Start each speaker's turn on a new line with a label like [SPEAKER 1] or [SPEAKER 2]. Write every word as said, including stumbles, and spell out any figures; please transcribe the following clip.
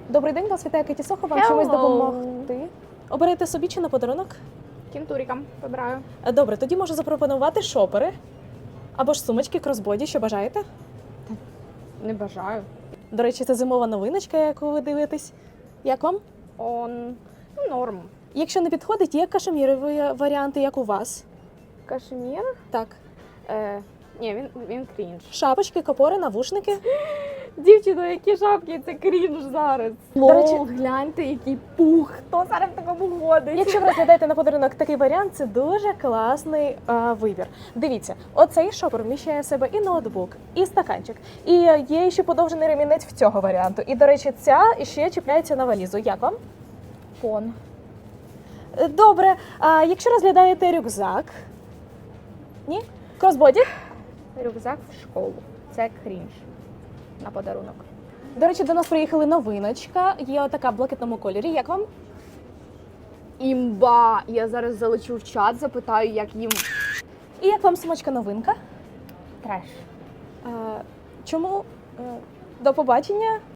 [SPEAKER 1] Добрий день, вас вітає Кеті Сохо, вам
[SPEAKER 2] Hello.
[SPEAKER 1] чимось допомогти? Оберете собі чи на подарунок?
[SPEAKER 2] Кінтурікам вибираю.
[SPEAKER 1] Е, Добре, тоді можу запропонувати шопери або ж сумочки кросбоді, що бажаєте.
[SPEAKER 2] Не бажаю.
[SPEAKER 1] До речі, це зимова новиночка, яку ви дивитесь. Як вам?
[SPEAKER 2] Он ну, норм.
[SPEAKER 1] Якщо не підходить, є кашемірові варіанти, як у вас.
[SPEAKER 2] Кашемір?
[SPEAKER 1] Так.
[SPEAKER 2] Е, ні, він, він крінж.
[SPEAKER 1] Шапочки, копори, навушники.
[SPEAKER 2] Дівчино, які шапки, це крінж зараз.
[SPEAKER 1] До речі-
[SPEAKER 2] Лол, гляньте, який пух. Хто зараз в такому ходить?
[SPEAKER 1] Якщо ви розглядаєте на подарунок такий варіант, це дуже класний а, вибір. Дивіться, оцей шопер вміщає в себе і ноутбук, і стаканчик. І є ще подовжений ремінець в цього варіанту. І, до речі, ця ще чіпляється на валізу. Як вам?
[SPEAKER 2] Фон.
[SPEAKER 1] Е, Добре. А якщо розглядаєте рюкзак? Ні? Кросбоді?
[SPEAKER 2] Рюкзак в школу. Це крінж. На подарунок.
[SPEAKER 1] До речі, до нас приїхала новиночка. Є така в блакитному кольорі. Як вам?
[SPEAKER 2] Імба! Я зараз залечу в чат, запитаю, як їм
[SPEAKER 1] І як вам сумочка новинка?
[SPEAKER 2] треш.
[SPEAKER 1] Е, Чому? Е, До побачення.